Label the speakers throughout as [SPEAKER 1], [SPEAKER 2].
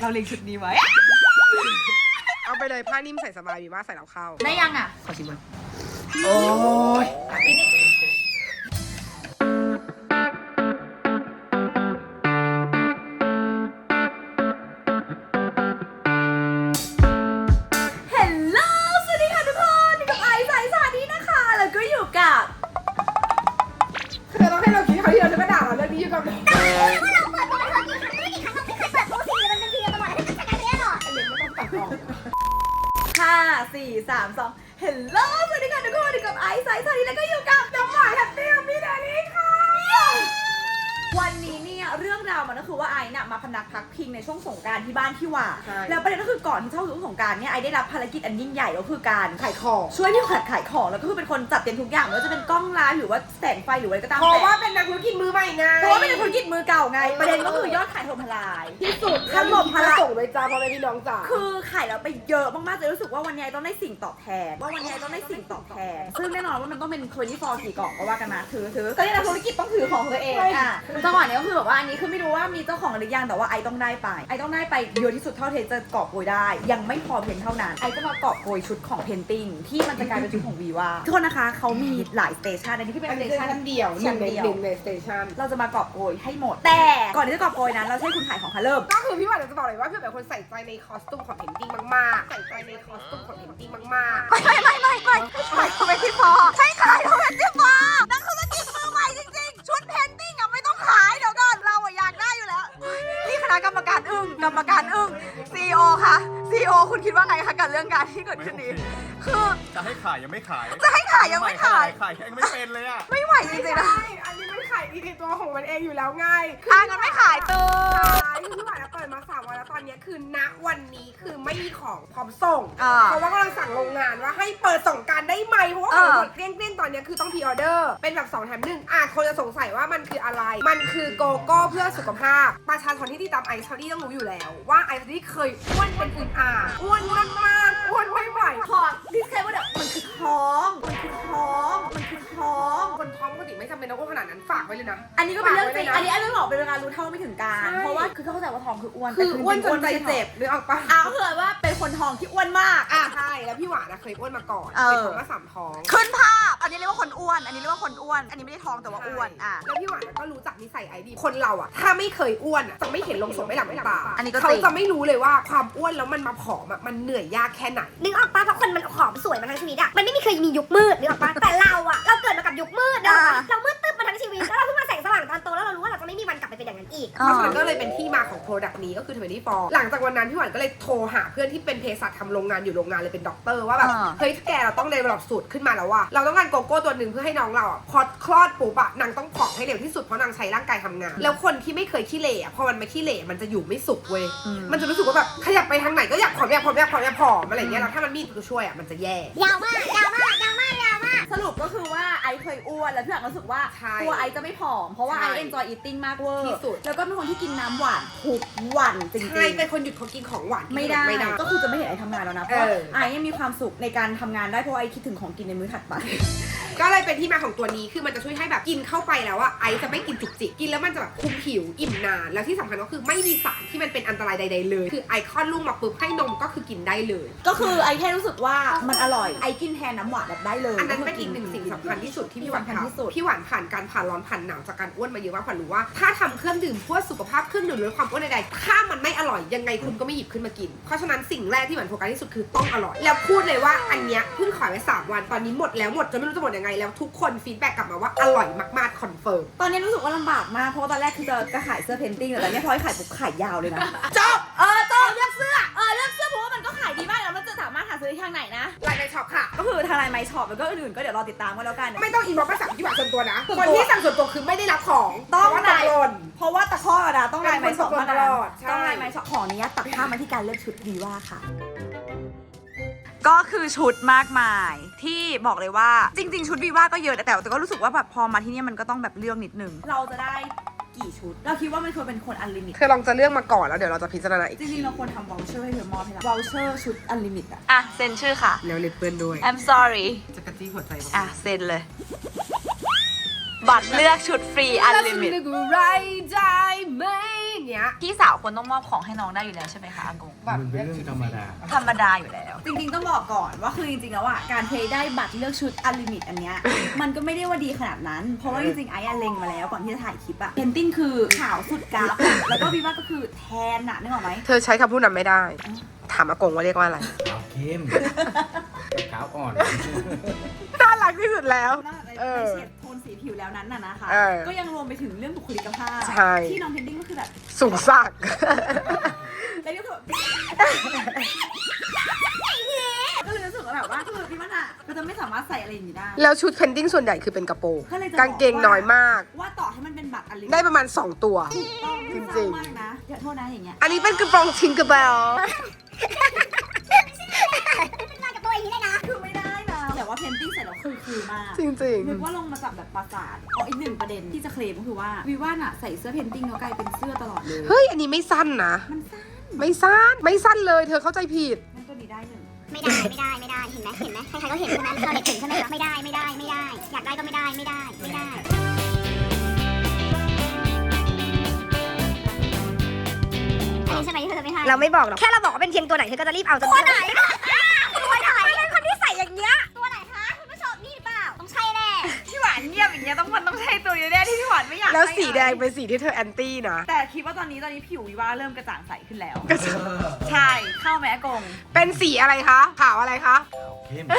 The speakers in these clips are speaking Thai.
[SPEAKER 1] เราเล็งชุดนี้ไว้
[SPEAKER 2] เอาไปเลยผ้านิ่มใส่สบายดีมากใส่แล้วเข้า
[SPEAKER 1] ได้ยังอ่ะ
[SPEAKER 2] ขอชิมมันโอ้ย
[SPEAKER 1] เฮลโลสวัสดีค่ะทุกคนอยู่กับไอซ์ไซส์สวัสดีแล้วก็อยู่กับน้องหวายแฮปปี้มีดานี่ค่ะวันนี้เนี่ยเรื่องราวมันก็คือว่าไอซ์น่ะมาพนักพักพิงในช่วงสงกรานต์ที่บ้านที่ว่าแล้วประเด็นก็คือก่อนที่เข้าสู่สงกรานต์เนี่ยไอซ์ได้รับภารกิจอันยิ่งใหญ่ก็คือการ
[SPEAKER 2] ขายของ
[SPEAKER 1] ช่วยพี่ขวัญขายของแล้วก็คือเป็นคนจัดเตรียมทุกอย่างไม่ว่าจะเป็นกล้องไลฟ์หรือว่าแสงไฟหรืออะไรก็ตาม
[SPEAKER 2] เพราะว่าเป็นนักธุรกิจมือใหม่ไง
[SPEAKER 1] เพราะว่าเป็นนักธุรกิจมือเก่าไงประเด็นก็คือยอดขายถล่มทลาย
[SPEAKER 2] ที่สุด
[SPEAKER 1] ถล่มทลาย
[SPEAKER 2] ส่งเลยจ้าพ่อแม่พี่น้องจ้า
[SPEAKER 1] คือขายแล้วไปเยอะมากๆเลยรู้สึกว่าวันนี้ต้องได้สิ่งตอบแทนซึ่งแน่นอนว่ามันต้องเป็น24กี่กล่องก็ว่ากันมาถือก็นี่นักธุรกิจต้องถือของตัวเองอ่ะจังหวะนี้ก็คือแบบว่าอันนี้คือไม่รู้ว่ามีเจ้าของหรือยังแต่ว่าไอต้องได้ไปเยอะที่สุดเท่าเทจะกอบโกยได้ยังไม่พอเพียงเท่านั้นไอจะมากอบโกยชุดของเพนติ้งที่มันจะกลายเป็นชุดของวีว่าทุกคนนะคะเขามีหลายสเตชันอันนี้ที่เป็นสเตชัน
[SPEAKER 2] เดียว1ในสเตชัน
[SPEAKER 1] เราจะมากอบโกยให้หมดแต่ก่อนที่จะกอบโกยนั้นเราใช้คุณขายของค่ะเริ่ม
[SPEAKER 2] ก็คือพี่หวานจะบอกเลยว่าพี่เป็นคนใส่ใจในคอสตูมของเพนติ้งมากๆใส่ใจในคอสตูมของเพนติ้งมากๆ
[SPEAKER 1] ไม่ที่พอใช่ขายเพนติ้งพอนักธุรกิจมือใหม่จริงๆชุดเพนติ้งอ่ะไม่ต้องขายเดี๋ยวก่อนเราอยากได้อยู่แล้วนี่คณะกรรมการอึ้งCEO ค่ะ CEO คุณคิดว่าไงคะกับเรื่องการที่เกิดขึ้นนี้คือ
[SPEAKER 3] จะให้ขายยังไม่ขาย
[SPEAKER 1] ยังไม่ขาย
[SPEAKER 3] ยังไม่เป็นเลยอ่ะ
[SPEAKER 1] ไม่ไหวจริงๆนะ
[SPEAKER 2] อันนี้มันขายดีในตัวของมันเองอยู่แล้วไง
[SPEAKER 1] งั้นไม่ขายตัว
[SPEAKER 2] พี่หวานเปิดมา3 วันแล้วตอนนี้คือณวันนี้คือไม่มีของพร้อมส่งเพราะว่ากำลังสั่งโรงงานว่าให้เปิดส่งการได้ไหมเพราะว่าของหมดเกลี้ยงตอนนี้คือต้องพรีออเดอร์เป็นแบบ2 แถม 1คนจะสงสัยว่ามันคืออะไรมันคือโกโก้เพื่อสุขภาพประชาชนที่ติดตามไอซ์ต้องรู้อยู่แล้วว่าไอซ์เคยอ้วนเป็นอื่นอ้วนมากอ้วนไม่ไหว
[SPEAKER 1] ขอดิสเคลว่ามันคือท้อง
[SPEAKER 2] คนท้องปกติไม่จำเป็นต้องอ้วนขนาดนั้นฝากไว้เลยนะ
[SPEAKER 1] อันนี้ก็เป็นเรื่องจริงอันนี้ไม่บอกเป็นเวลารู้เท่าไม่ถึงการเพราะว่าคือเขาเข้าใจว่าท้องคืออ้วน
[SPEAKER 2] จนใจเจ็บหรือเอาปะ
[SPEAKER 1] เผื่อว่าเป็นคนท้องที่อ้วนมาก
[SPEAKER 2] ใช่แล้วพี่หวานเคยอ้วนมาก่อนเคยท้องมา3 ท้อง
[SPEAKER 1] ขึ้นภาพอันนี้เรียกว่าคนอ้วนอันนี้ไม่ได้ท้องแต่ว่าอ้วน
[SPEAKER 2] แล้วพี่หวานก็รู้จักนิสัยไอดีคนเราถ้าไม่เคยอ้วนจะไม่เห็นลงศพไม่หลับไม่ตาเขาจะไม่รู้เลยว่าความอ้วนแล้วมันมาผอมมันเหนื่อยยากแค่ไหน
[SPEAKER 4] นึกออกปะเพราะคนมันผอมสวยมาทั้งชีวิตมันไม่มีเคยมียุคมืดนึกออกปะแต่เราเกิดมากับยุคมืดเรามืดตึ๊บมาทั้งชีวิตแล้วเราเพิ่งมาแสงสว่างตอนโตแล้วเรารู้ว่าเราจะไม่มีวันกลับไปเป็นอย่างนั้นอีก
[SPEAKER 2] เพราะฉะนั้นก็เลยเป็นที่มาของโปรดักต์นี้ก็คือ24หลังจากวันนั้นพี่หวานก็เลยโทรหาเพื่อนที่เป็นเภสัชทำโรงงานอยู่โรงงานเลยเป็นด็อกเตอร์ว่าแบบเฮ้ยแกเราต้องเดเวลลอปสูตรขึ้นมาแล้วว่าเราต้องการโกโก้ตัวหนึ่งเพื่อให้น้องเราพอคลอดปุ๊บนางต้องผอมให้เร็วที่สุดเพราะนางใช้ร่างกายทำงานแล้วคนที่ไม่เคยขี้เหร่พอมันไม่ขี้เหร่มันจะอยู่ไม่สุขเว้ยมันจะรู้สึกว่าแบบขยับไปทางไหนก็อยากผอมอะไรอย่างเงี้ยแล้วถ้ามันมีตัวช่วยมันจะแย่
[SPEAKER 4] ยาวมาก
[SPEAKER 1] สรุปก็คือว่าไอเคยอ้วนแล้วพี่หวานรู้สึกว่าตัวไอจะไม่ผอมเพราะว่าไอเอนจอยอีทติ้งมากเวอร์
[SPEAKER 2] ที่สุด
[SPEAKER 1] แล้วก็เป็นคนที่กินน้ำหวานทุกวันจริงๆ
[SPEAKER 2] ใช่เป็นคนหยุดเขากินของหวาน
[SPEAKER 1] ไม่ได้ก็คือจะไม่เห็นไอทำงานแล้วนะเพราะไอยังมีความสุขในการทำงานได้เพราะไอคิดถึงของกินในมื้อถัดไป
[SPEAKER 2] ก็เลยเป็นที่มาของตัวนี้คือมันจะช่วยให้แบบกินเข้าไปแล้วไอจะไม่กินจุกจิกกินแล้วมันจะแบบคุมผิวอิ่มนานแล้วที่สำคัญก็คือไม่มีสารที่มันเป็นอันตรายใดๆเลยคือไอคลอดลูกมาปุ๊บให้นมก็คือกินได้เลย
[SPEAKER 1] ก็คือไอแค่รู้สึกว่ามันอร่อยไอกินแทนน้ำหวานแบบได้เลย
[SPEAKER 2] อันนั้นเป็นอีกหนึ่งสิ่งสำคัญที่สุดที่พี่หวานทำพี่หวานผ่านการผ่านร้อนผ่านหนาวจากการอ้วนมาเยอะมากผ่านรู้ว่าถ้าทำเครื่องดื่มเพื่อสุขภาพเครื่องดื่มลดความอ้วนใดๆถ้ามันไม่อร่อยยังไงคุณก็ไม่หยิบขึ้นมากินเพราะฉะนั้นสิ่งแรกที่หวานโฟกัสที่สุดคือต้องอร่อยแล้วพูดเลยว่าอันเนี้ยเพิ่งขายไว้3 วันตอนนี้หมดแล้วหมดจนไม่รู้จะหมดยังไงแล้วทุกคนฟีดแบ็กกลับมาว่าอร่อยมากๆคอนเฟิร์ม
[SPEAKER 1] ตอนนี้รู้สึกว่าลำบากมากเพราะว่าตอนแรกคือจะขายเสื้อเพนติ้งแต่ตอนนี้พอให้ขายปุ๊บขายยาวเลยนะ
[SPEAKER 2] จบ
[SPEAKER 1] เลือกเสื้อเพราะว่ามันก็ขายดีมากแล้วมันจะสามารถหาซื้อได้ทางไหนนะ
[SPEAKER 2] ไลน์ในช็อปค่ะ
[SPEAKER 1] ก็คือทางไลน์ไมช็อปแล้วก็อื่นๆก็เดี๋ยวรอติดตามกันแล้วกัน
[SPEAKER 2] ไม่ต้องอินบ็อกซ์มาสั่งที่หวานส่วนตัวนะคนที่สั่งส่วนตัวคือไม่ได้รับของ
[SPEAKER 1] ต้อง
[SPEAKER 2] ไลน์
[SPEAKER 1] เพราะว่าตะข้อนะต้องไลน์ไมช็อป
[SPEAKER 2] ตลอด
[SPEAKER 1] ต้องไลน์ไมช็อปของนี้ตัดภาพมาที่การเลือกชุดดีว่าค่ะก็คือชุดมากมายที่บอกเลยว่าจริงๆชุดวีว่าก็เยอะแต่ก็รู้สึกว่าแบบพอมาที่นี่มันก็ต้องแบบเลือกนิดนึงเราจะได้กี่ชุดเราคิดว่ามันควรเป็นคนอันลิมิต
[SPEAKER 2] เธอลองจะเลือกมาก่อนแล้วเดี๋ยวเราจะพิจารณาอีก
[SPEAKER 1] จริงๆเราควรทำวอลเชอร์ให้เธอมอบให้เราวอลเชอร์ชุดอันลิมิตอ่ะเซ็นชื่อค่ะ
[SPEAKER 2] แล้วเล็บเปื้อนด้วย
[SPEAKER 1] I'm sorry
[SPEAKER 2] จะกระจี้หัวใจ
[SPEAKER 1] เซ็นเลยบัตรเลือกชุดฟรีอันลิมิต
[SPEAKER 2] แล้วฉันนึกไรได้ไหมเนี้ย
[SPEAKER 1] พี่สาวควรต้องมอบของให้น้องได้อยู่แล้วใช่ไหมคะอากง
[SPEAKER 5] มันเป็นเรื่องธรรมดา
[SPEAKER 1] ธรรมดาอยู่แล้ว จริงๆต้องบอกก่อนว่าคือจริงๆแล้วอ่ะการเพลย์ได้บัตรเลือกชุดอันลิมิตอันเนี้ย มันก็ไม่ได้ว่าดีขนาดนั้น เพราะว่าจริงๆไอ้เล็งมาแล้วก่อนที่จะถ่ายคลิปอะเพนติ้งคือขาวสุดกราฟอะแล้วก็วิว่าก็คือแทนอะนึกออกไหม
[SPEAKER 2] เธอใช้คำพูดนั้นไม่ได้ ถามอากงว่าเรียกว่าอะไร
[SPEAKER 5] ขาวเข้มขาวอ่อน
[SPEAKER 2] น่ารักที่สุดแล้ว
[SPEAKER 1] นอกจากใน
[SPEAKER 2] เออ
[SPEAKER 1] เฉดโทนสีผิวแล้วนั้นน่ะนะคะ
[SPEAKER 2] เออ
[SPEAKER 1] ก็ยังรวมไปถึงเรื่องบุคลิกภาพ
[SPEAKER 2] ใช่
[SPEAKER 1] ที่น้องเพนติ้งก็คือแบบ
[SPEAKER 2] สูงสัก
[SPEAKER 1] แล้วก็แบบก็เลยรู้สึกว่าแบบว่าคือพี่มันอะก็จะไม่สามารถใส่อะไรอย่างนี้ได้
[SPEAKER 2] แล้วชุดเพนดิ้งส่วนใหญ่คือเป็นกระโปรง
[SPEAKER 1] ก็เลยจะ
[SPEAKER 2] กางเกงน้อยมาก
[SPEAKER 1] ว่าต่อให้มันเป็นบัตรอันลิมิต
[SPEAKER 2] ได้ประมาณ 2 ตัว
[SPEAKER 1] ต้อง
[SPEAKER 2] จริงๆ
[SPEAKER 1] เศร้ามากนะเดี๋ยวโทษนะอย่างเงี้ย
[SPEAKER 2] อันนี้เป็นกระโปรงทิงเกอร์เบล
[SPEAKER 4] เป็นมากับตัวอย่างนี้เลยนะ
[SPEAKER 1] คือไม่ได้นะแต่ว่าเพนติ้งเสร็จแล้วคือมาก
[SPEAKER 2] จริง
[SPEAKER 1] นึกว่าลงมาจากแบบปราสาทอีกหนึ่งประเด็นที่จะเคลมก็คือว่าวิว่าน่ะใส่เสื้อเพนติ้งแล้วกลายเป็นเสื้อตลอดเลย
[SPEAKER 2] ๆ เฮ้ย อันนี้ไม่สั้นนะ
[SPEAKER 1] มันสั้น
[SPEAKER 2] ไม่สั้นเลย เธอเข้าใจผิด
[SPEAKER 1] งั้นตัวนี้ได้หนึ่ง
[SPEAKER 4] ไม่ได้ เห็นไหมใครๆก็เห็นใช่ไหมเราเด็กเห็นใช่ไหมคะไม่ได้ อยากได้ก็ไม่ได้ อันนี้ใช่ไหมที่เธอจะไม่ให้ เราไม่บอกหรอก แค่เราบอกว่าเป็นเทียงตัวไหนเธอก็จะรีบเอาตัวไหนเป็นคนที่ใส่อย่างเงี้ย ตัวไหนคะคุณผู้ชมนี่หรือเปล่า ต้องใช่แน่
[SPEAKER 1] พี่หวานเงียบอย่างเงี้ยต้องใช้ตัวนี้แน่ที่พี่หวานไม่อยาก
[SPEAKER 2] แล้ว
[SPEAKER 1] ให้
[SPEAKER 2] สีแดงเป็นสีที่เธอแอนตี้นะ
[SPEAKER 1] แต่คิดว่าตอนนี้ผิววิว่าเริ่มกระจ่างใสขึ้นแล้ว
[SPEAKER 2] ก็จะ
[SPEAKER 1] ใช่เข้าไหมอากง
[SPEAKER 2] เป็นสีอะไรคะ ขาวอะไรคะ
[SPEAKER 5] ขาวเข้ม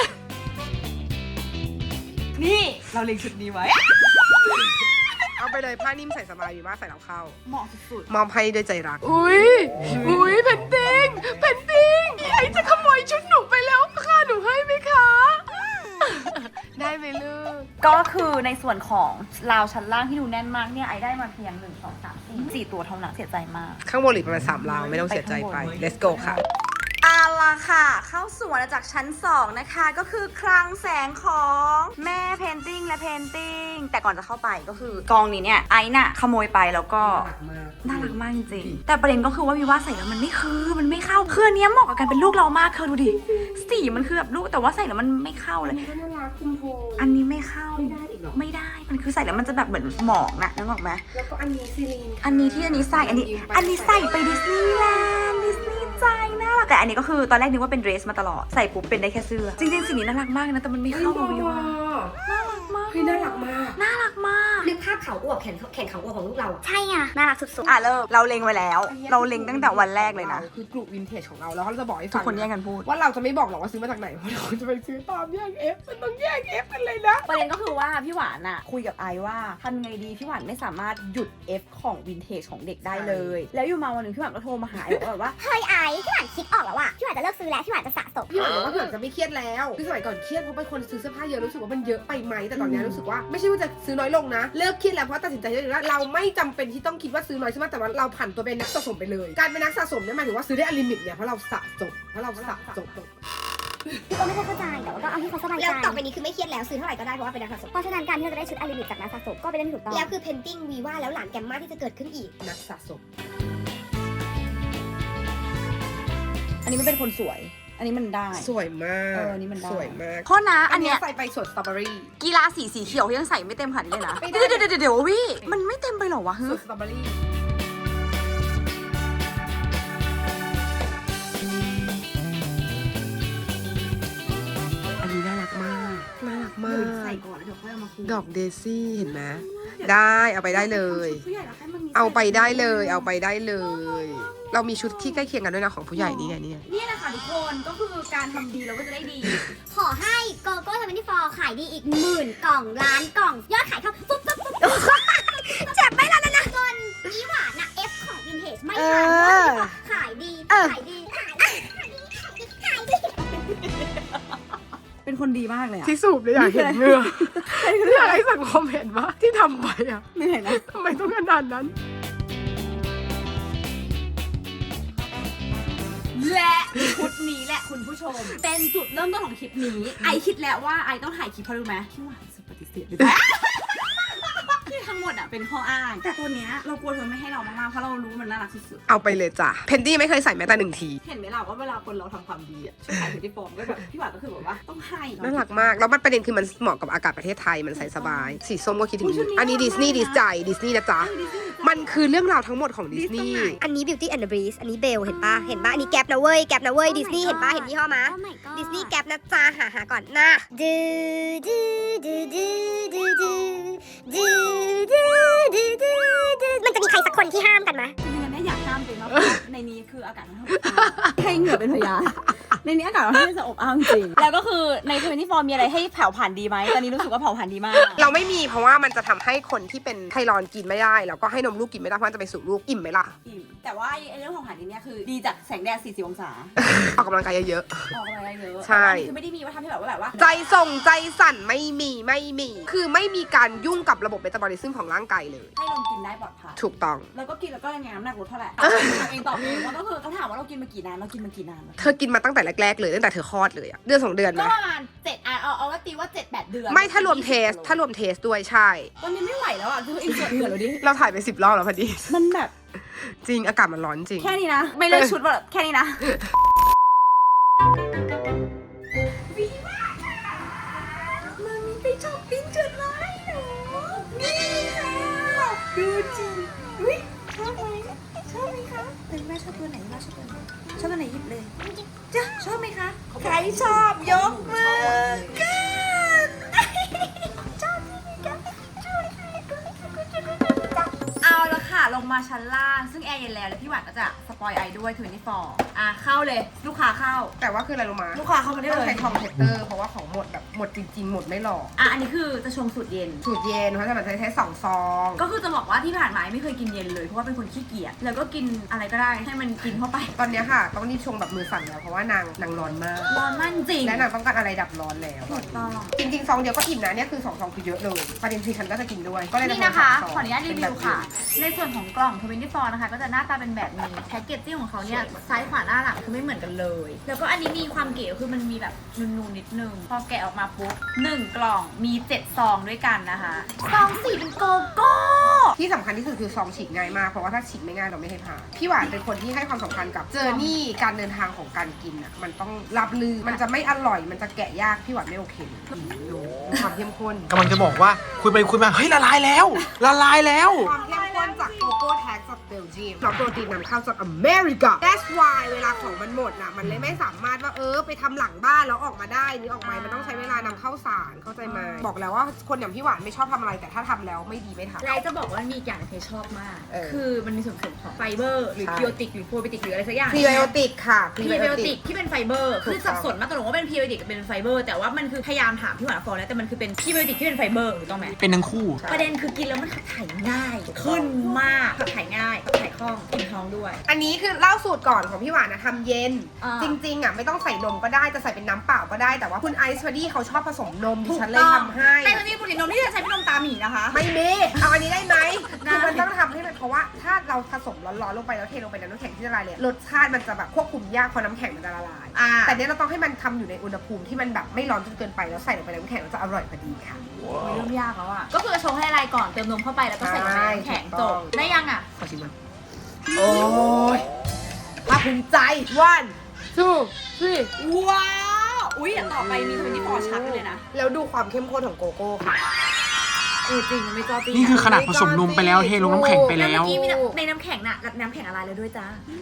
[SPEAKER 1] นี่เราเล็งชุดนี้ไว้
[SPEAKER 2] เอาไปเลยผ้านิ่มใส่สบายดีมากใส่แล้วเข้า
[SPEAKER 1] เหมาะสุด
[SPEAKER 2] มอบให้ด้วยใจรัก อุ้ยเพนติ้งไอ้จะขโมยชุดหนูไปแล้วค่ะหนูให้ไหมคะ ได้ไหมลูก
[SPEAKER 1] ๆก็คือในส่วนของราวชั้นล่างที่ดูแน่นมากเนี่ยไอได้มาเพียง1 2 3 4ตัวเท่านั้นเสียใจมาก
[SPEAKER 2] ข้างบนเหลือประมาณ3ราวไม่ต้องเสียใจไป let's go ค่ะ
[SPEAKER 1] เอาล่ะค่ะ เข้าสู่อาณาจักรชั้น 2 นะคะ ก็คือคลังแสงของแม่เพนติ้งและเพนติ้งแต่ก่อนจะเข้าไปก็คือกองนี้เนี่ยไอน่ะขโมยไปแล้วก็น่ารักมากจริงๆแต่ประเด็นก็คือว่าวิว่าใส่แล้วมันไม่เข้าคืออันเนี้ยเหมาะกับการเป็นลูกเรามากเธอดูดิสีมันคือแบบลูกแต่ว่าใส่แล้วมันไม่เข้าเลย อันนี้ไม่เข้าไม่ได้มันคือใส่แล้วมันจะแบบเหมือนหมอกนะนึกออกไหม
[SPEAKER 2] แล้วก็อันนี้ซีรีน
[SPEAKER 1] อันนี้ที่อันนี้ใส่อันนี้ใส่ไปดิสนีย์แลนด์ดิสนีย์ใจน่ารักแต่อันนี้ก็คือตอนแรกนึกว่าเป็นเดรสมาตลอดใส่ปุ๊บเป็นได้แค่เสื้อจริงๆสีนี้น่ารักมากนะแต่มันไม่เข้ากับวิวาน่ารักมาก
[SPEAKER 2] เฮ้ยน่ารักมาก
[SPEAKER 1] น่ารักมาก
[SPEAKER 4] นึกภาพเขาอวบแขนเขาอวบของลูกเราอะใช่อ่ะ น่ารักสุด
[SPEAKER 1] อ่ะเริ่มเราเล็งไว้แล้ว เราเล็งตั้งแต่วันแรกเลยนะ
[SPEAKER 2] คือกลุ่มวินเทจของเราแล้วเขาจะบอกให้
[SPEAKER 1] ทุ
[SPEAKER 2] ฟั
[SPEAKER 1] ก
[SPEAKER 2] ง
[SPEAKER 1] คนแย่งกันพูด
[SPEAKER 2] ว่าเราจะไม่บอกหรอกว่าซื้อมาจากไหนเพราะเราจะไปซื้อตามแยก F มันต้องแยก F กันเลยนะ
[SPEAKER 1] ประเด็นก็คือว่าพี่หวานอะคุยกับไอว่าทำไงดีพี่หวานไม่สามารถหยุด F ของวินเทจของเด็กได้เลย แล้วอยู่มาวันหนึ่งพี่หวานก็โทรมาหาไอบอกว่า
[SPEAKER 4] ๆ เฮ้ยไอ้พี่หวานคิดออกแล้วอะพี่หวานจะเลิกซื้อแล้วพี่หวานจะสะสม
[SPEAKER 2] พี่หวานบอกว่าพี่หวานจะไม่เครียดแล้วคือสมัยก่อนเครียดเพราะเป็นคนซื้อเสื้อผ้าเยอะรู้สึกว่ามันเยอะไปไหมแต่ตอนนี้รู้สึกว่าไม่ใช่ว่าจะซื้อน้อยลงนะเลิกเครียดแล้วเพราะตัดสินใจได้เลยว่าเราไม่จำเป็นที่ต้องคิดว่าซื้อน้อยซื้อมากแต่ว่าเราผันตัวเป็นนักสะสมไปเลยการเป็นนักสะสมเนี่ยหมายถึงว่าซื้อได้อลิมิตเนี่ยเพราะเราสะสม
[SPEAKER 4] พี่ก็ไม่ค่อยเข้าใจแต่ว่าก็เอาที่เขาสบายใจแล้วต่อไปนี้คือไม่เครียดแล้วซื้อเท่าไหร่ก็ได้เพราะว่าเป็นนักสะสมเพราะฉะนั้นการที่เราจะได้ชุดอลิมิตจากนักสะสมก็เป็นเรื่องถูกต้องแล้วคือเพนติ้งวีว่าแล้วหลานแกมมาที่จะเกิดขึ้นอีก
[SPEAKER 2] นักสะสม
[SPEAKER 1] อันนี้มันเป็นคนสวย อันนี้มันได้
[SPEAKER 2] สวยมาก
[SPEAKER 1] อันนี้มันได้
[SPEAKER 2] สวยมาก
[SPEAKER 1] โทษนะอันเนี้ย
[SPEAKER 2] ใส่ไปสวนสตรอเบอรี่
[SPEAKER 1] กีฬาสีเขียวยังใส่ไม่เต็มขนาดนี้เลยนะ
[SPEAKER 2] ไม่ได้
[SPEAKER 1] เดี๋ยววิมันไม่เต็มไปหรอวะ
[SPEAKER 2] สวนสตรอเบอรี่อันนี้น่ารักมากน่ารักมา
[SPEAKER 1] เดี๋ยวใส่
[SPEAKER 2] ก
[SPEAKER 1] ก่อนแล้วเดี๋ยวค่อยเอามาคืน
[SPEAKER 2] ดอกเดซี่เห็นไหมได้เอาไปได้เลย
[SPEAKER 1] ผู้ใหญ่แล้วให้มันมี
[SPEAKER 2] เอาไปได้เลยเอาไปได้เลย เรามีชุดที่ใกล้เคียงกันด้วยนะของผู้ใหญ่นี่ไงนี่ไง
[SPEAKER 1] นี่แหละค่ะทุกคนก็คือการทำดีเราก็จะได้ดี
[SPEAKER 4] ขอให้โกโก้24ขายดีอีก10,000 กล่องล้านกล่อง ยอดขายเข้าปุ๊บเจ็บไหมล่ะนะจนอีหวานอะเอฟของวินเทจไม่ทันขายดี
[SPEAKER 1] เป็นคนดีมากเลยอะ
[SPEAKER 2] ที่สูบเลยอยากเห็นเหงื่ออยากให้สังคมเห็นว่าที่ทำไปอ่ะ
[SPEAKER 1] เหนื่อยนะ
[SPEAKER 2] ทำไมต้องขนาดนั้น
[SPEAKER 1] และชุดนี้แหละคุณผู้ชม เป็นจุดเริ่มต้นของคลิปนี้ ไอคิดแล้วว่าไอต้องถ่ายคลิปเพราะรู้ไหมพี่หวานสุดปฏิเสธเลยที่ทั้งหมดอ่ะเป็นข้ออ้างแต่ตัวเนี้ยเรากลัวเธอไม่ให้เรามากๆเพราะเรารู้มันน่ารักสุด
[SPEAKER 2] เอาไปเลยจ้ะเพนตี้ไม่เคยใส่แม้แต่1 ที
[SPEAKER 1] ๆเห็นไหมล่ะว่าเวลาคนเราทำความดีอ่ะช่วยขายที่ฟอร์มก็แบบพี่หวานก็คือแบบว่าต้องให้
[SPEAKER 2] น่ารักมากแล้วมันประเด็นคือมันเหมาะกับอากาศประเทศไทยมันใส่สบายสีส้มก็คิดถึงอันนี้ดิสนีย์นะจ๊ะมันคือเรื่องราวทั้งหมดของดิสนีย์
[SPEAKER 4] อันนี้ Beauty and the Beast อันนี้เบลเห็นปะอันนี้แก๊ปนะเว้ยดิสนีย์เห็นปะเห็นยี่ห้อมะดิสนีย์แก๊ปนะจ๊ะหาก่อนนะมันจะมีใครสักคนที่ห้ามกันไหม
[SPEAKER 1] จริงๆเนี่ยอยากห้ามตัวเองมากเพราะว่าในนี้คืออากาศมันให้เหงื่อเป็นพยานในนี้อากาศมันให้จะอบอ้าวจริงแล้วก็คือใน24มีอะไรให้เผาผ่านดีไหมตอนนี้รู้สึกว่าเผาผ่านดีมาก
[SPEAKER 2] เราไม่มีเพราะว่ามันจะทำให้คนที่เป็นไทรอยด์กินไม่ได้แล้วก็ให้นมลูกกินไม่ได้เพราะมันจะไปสู่ลูกอิ่มไหมล่ะ
[SPEAKER 1] อิ่มแต่ว่าไอ้เรื่องของผ่านดีเนี่ยคือดีจากแสงแดด40 องศา
[SPEAKER 2] ออกกำลังกายเยอะ
[SPEAKER 1] ออกกำลังกายเยอะ
[SPEAKER 2] ใช่
[SPEAKER 1] แต่ว่านี่คือไม่ได้มีว่าทำให้แบบว่า
[SPEAKER 2] ๆใจส่งใจสั่นไม่มีคือไม่มีการยุ่งกับระบบเมตาบอลิซึมของร่างกายเลย
[SPEAKER 1] ให้ลงกินได้ปลอดภัย
[SPEAKER 2] ถูกต้อง
[SPEAKER 1] แล้วก็กินแล้วก็ยังไงน้ำหนักลดเท่าไหร่ทำเองตอบเองว่าก็คือเขาถามว่าเรากินมากี่นานเรากินมากี่นาน
[SPEAKER 2] เธอกินมาตั้งแต่แรกๆเลยตั้งแต่เธอคลอดเลยอะเดือน2 เดือนไหม
[SPEAKER 1] ก็ประมาณ7เอาว่าตีว่า7-8 เดือน
[SPEAKER 2] ไม่ถ้ารวมเทสด้วยใช่
[SPEAKER 1] ตอนนี้ไม่ไหวแล้วอ่ะคืออินเสิร์ตเหงื่อแล้วดิ
[SPEAKER 2] เราถ่ายไป10 รอบแล้วพอดี
[SPEAKER 1] มันแบบ
[SPEAKER 2] จริงอากาศมันร้อนจริง
[SPEAKER 1] แค่นี้นะ ไม่เลือกชุดแบบแค่นี้นะมันมีไปช้อปปิ้งจุดไลน์หนูนี่ค่ะดูจริงอุ้ยชอบไหมคะเป็นแม่ชอบตัวไหนชอบตัวไหนหยิบเลยจ้ะชอบไหมคะใครชอบยกมือกันชอบที่กันเอาละค่ะลงมาชั้นล่างซึ่งแอร์เย็นแล้วพี่หวานก็จะสปอยไอด้วย24เข้าเลยลูกค้าเข้า
[SPEAKER 2] แต่ว่าคืออะไรรู้มา
[SPEAKER 1] ลูกค้าเข้ามาได้
[SPEAKER 2] ต้อง
[SPEAKER 1] เลย
[SPEAKER 2] ใช้ทองเทสเตอร์เพราะว่าของหมดแบบหมดจริงๆหมดไม่หลอก
[SPEAKER 1] อันนี้คือจะชงสูตรเย็น
[SPEAKER 2] สูตรเย็นเพราะฉะนั้นใช้2 ซอง
[SPEAKER 1] ก็คือจะบอกว่าที่ผ่านมาไม่เคยกินเย็นเลยเพราะว่าเป็นคนขี้เกียจแล้วก็กินอะไรก็ได้ให้มันกินเข้าไป
[SPEAKER 2] ตอนเนี้ยค่ะต้องรีบชงแบบมือสั่นแล้วเพราะว่านางร้อนมาก
[SPEAKER 1] ร้อนมากจริง
[SPEAKER 2] และนางต้องการอะไรดับร้อนแล้ว
[SPEAKER 1] ถูกต้อง
[SPEAKER 2] จริงๆซองเดียวก็อิ่มนะเนี่ยคือ2 ซองคือเยอะเลยประเด็นคือฉันก็จะกินด้วยก็เลย
[SPEAKER 1] นี่นะคะ
[SPEAKER 2] ทำ
[SPEAKER 1] ขออนุญาตรีวิวค่ะ ในส่วนของกล่อง24นะคะก็จะหน้าตาเป็นแบบนี้แพ็กเกจจิ้งของเขาเนี่ยซ้ายขวาหน้าหลังคือไม่เหมือนกันเลย แล้วก็อันนี้มีความเก๋คือมันมีแบบนูนๆนิดนึงพอแกะออกมาปุ๊บ1 กล่องมี7 ซองด้วยกันนะคะซองสีเป็นโกโก้
[SPEAKER 2] ที่สำคัญที่สุดคือซองฉีกง่ายมากเพราะว่าถ้าฉีกไม่ง่ายเราไม่ให้ผ่านพี่หวานเป็นคนที่ให้ความสำคัญกับเจอร์นี่การเดินทางของการกินอ่ะมันต้องรับลือมันจะไม่อร่อยมันจะแกะยากพี่หวานไม่โอเคดูความเข้มข้น
[SPEAKER 3] กำลังจะบอกว่าคุยไปคุยมาเฮ้ยละลายแล้ว ละลายแล้ว
[SPEAKER 2] ความเข้มข้นจากโกโก้แท็กจากเบลเยียมแล้วโปรตีนนำเข้าจากอเมริกา That's why เวลาของมันหมดน่ะมันเลยไม่สามารถว่าไปทำหลังบ้านแล้วออกมาได้นี่ออกมามันต้องใช้เวลานำเข้าสารเข้าใจไหมบอกแล้วว่าคนอย่างพี่หวานไม่ชอบทำอะไรแต่ถ้าทำแล้วไม่ดีไม่ทำ
[SPEAKER 1] ไลท์จะบอกว่ามีอีกอย่างที่ชอบมาก
[SPEAKER 2] เออ
[SPEAKER 1] คือมันมีส่วนผสมของไฟเบอร์หรือ
[SPEAKER 2] ใช่
[SPEAKER 1] พิโอติกหรือโปรไบโอติกหรืออะไรสักอย่าง
[SPEAKER 2] พรีไบโอติกค่ะ
[SPEAKER 1] พรีไบโอติกที่เป็นไฟเบอร์คือสับสนมากตกลงว่าเป็นพรีไบโอติกกับเป็นไฟเบอร์แต่ว่ามันคือพยายามถามพี่หวานฟองแล้วแต่มันคือเป็นพรีไบโอติกที่เป็นไฟเบอร์ถูกต้องไหม
[SPEAKER 3] เป็นทั้งคู่
[SPEAKER 1] ประเด็นคือกินแล้วมันขับถ่ายง่ายขึ้นมากขับถ่ายง่ายขับถ่ายคล่องกินท้องด้วย
[SPEAKER 2] อันนี้คือเล่าสูตรก่อนของพี่หวานนะทำเย็น
[SPEAKER 1] อ่า
[SPEAKER 2] จริงๆอ่ะไม่ต้องใส่นมก็ได้จะใส่เป็นน้ำเปล่าก็ได้แต่ว่าคุณไอซ์พอดีเขาชอบผสมนมดิฉันเลยทำให้
[SPEAKER 1] แต่ตอนนี้ผลิตนมที่จะใช้เป็นนมตาหมีนะคะ
[SPEAKER 2] ไม่มีเอาอันนี้ได้ไหม
[SPEAKER 1] ได้
[SPEAKER 2] คือมันต้องทำให้มันเพราะว่าถ้าเราผสมร้อนๆลงไปแล้วเทลงไปในน้ำแข็งที่ละลายเลยรสชาติมันจะแบบควบคุมยากเพราะน้ำแข็งมันจะละลาย แต่เนี้ยเราต้องให้มันทำอยู่ในอุณหภูมิที่มันแบบไม่ร้อนจนเกินไปแล้วใส่ลงไปในน้ำแข็งแล้วจะอร่อยพอดีค่ะ
[SPEAKER 1] เริ่มยากแล้วอ่ะก็คือชงให้ละลายก่อนเติมนมเข้าไปแล้วก็ใส่ลงในน้ำแข็ง
[SPEAKER 2] ถูก
[SPEAKER 1] จ
[SPEAKER 2] ต้อง
[SPEAKER 1] บได้ยังอ่ะ
[SPEAKER 2] ขอชิมมันโอ้ยภาคภูมิใจ one two three
[SPEAKER 1] ว้าวอุ้ยเดี๋ยวต่อไปมี24ชัดไปเลยนะ
[SPEAKER 2] แล้วดูความเข้มข้นของโกโก้ค่ะ
[SPEAKER 1] จริงไม่จอตี
[SPEAKER 3] นี่คือขนาดผสมนมไปแล้วเทลงน้ำแข็งไป
[SPEAKER 1] แล้ว
[SPEAKER 3] แล้
[SPEAKER 1] เมื่
[SPEAKER 3] ว
[SPEAKER 1] อกี้มีในน้ำแข็งน่ะกับน้ำแข็งละลายแล้วด้วยจ้า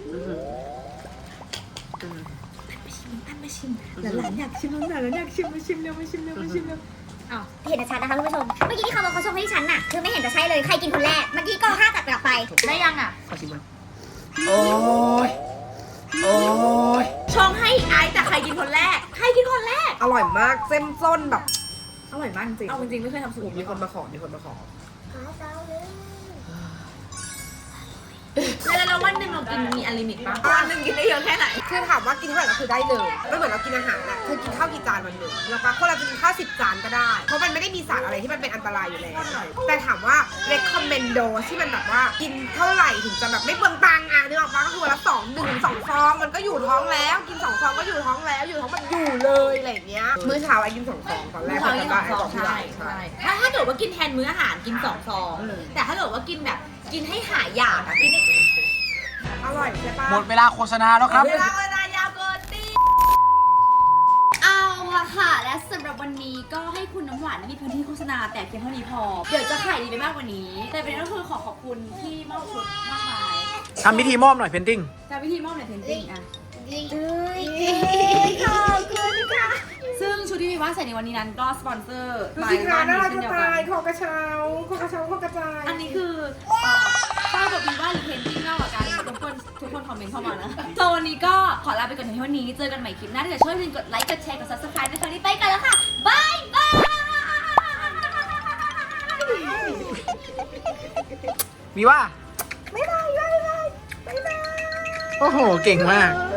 [SPEAKER 1] ท่านมาชิมหลานอยากชิมหลานอยากชิมมาชิมเร็วมาชิมเร็วมาชิมเร็ว
[SPEAKER 4] อ้าวเห็นชัดนะคะคุณผู้ชม เมื่อกี้ที่เขาบอกเขาชงให้ดิฉันน่ะคือไม่เห็นจะใช่เลยใครกินคนแรก เมื่อกี้ก็ห้าตัดกลับไป
[SPEAKER 1] ได้ยังอ่ะ
[SPEAKER 2] ขอชิมมันโอ้ยโอ้ย
[SPEAKER 1] ชงให้ไอซ์แต่ใครกินคนแรกใครกินคนแรก
[SPEAKER 2] อร่อยมากเส้นส้นแบบ
[SPEAKER 1] อร่อยมากจริงเอาจริงๆไม่เคยทำสูตร
[SPEAKER 2] มีคนมาขอมีคนมาขอ
[SPEAKER 1] แล้ววันหนึ่งเรากินมีอลิมิตปะวันหนึ่งกินได้เยอะแค่ไหน
[SPEAKER 2] คือถามว่ากินเท่าไหร่ก็คือได้เลยไม่เหมือนเรากินอาหารอะคือกินข้าวกี่จานวันหนึ่งแล้วก็คนเราจะกินข้าว10 จานก็ได้ เพราะมันไม่ได้มีสารอะไรที่มันเป็นอันตรายอยู่แล้วแต่ถามว่า recommend dose ที่มันแบบว่ากินเท่าไหร่ถึงจะแบบไม่เปลืองตังค์อ่ะนึกออกปะก็คือวันละ1-2 ซองมันก็อยู่ท้องแล้วกิน2 ซองก็อยู่ท้องแล้วอยู่ท้องมันอยู่เลยอะไรอย่างเงี้ยมื้อเช้าไอ้กิน2 ซองตอนแรก
[SPEAKER 1] มื้อเช้ากิน2 ซอง
[SPEAKER 2] ใช่
[SPEAKER 1] ใช่ถ้าเกิดว่ากินแทนมื้ออาหารกิน2 ซองแต่ถ้าเกิดว่ากินแบบกินให้หายอยากอะกิน
[SPEAKER 2] อร่อยใช่ปะ
[SPEAKER 3] หมดเวลาโฆษณาแล้วครับ
[SPEAKER 1] เวลายาวเกินตี
[SPEAKER 6] เอาละค่ะ และสำหรับวันนี้ก็ให้คุณน้ำหวานมีพื้นที่โฆษณาแต่เพียงเท่านี้พอ เดี๋ยวจะขายดีไปมากกว่านี้ แต่ประเด็นก็คือขอขอบคุณที่มอบชุดมากมาย
[SPEAKER 3] ทำพิธีมอบหน่อยเพนติ้ง
[SPEAKER 6] จากวิธีมอบในเพนติ้งอะ
[SPEAKER 4] ขอบคุณค่ะ
[SPEAKER 6] ซึ่งชุดที่มีว่าใส่ในวันนี้นั้นก็สปอนเซอร์
[SPEAKER 2] ดูสิคะ
[SPEAKER 6] บ้าน
[SPEAKER 2] น่า
[SPEAKER 6] นี้
[SPEAKER 2] รัก
[SPEAKER 6] เช่น
[SPEAKER 2] จะ
[SPEAKER 6] เดียวกั
[SPEAKER 2] ตาย
[SPEAKER 6] น
[SPEAKER 2] คอกระเช้าคอกระเช้าคอกระจาย
[SPEAKER 6] อันนี้คือป้ากับวีว่าหรือเพนติ้งมากกว่ากันทุกคนคอมเมนต์เข้ามานะโซนนี้ก็ขอลาไปก่อนในวันนี้เจอกันใหม่คลิปหน้าถ้าเกิดช่วยอย่าลืมกดไลค์กดแชร์กด subscribe นะคะวันนี้ไปกันแล้วค่ะบายบาย
[SPEAKER 3] มีว่า โอ้โห เก่งมาก
[SPEAKER 2] บ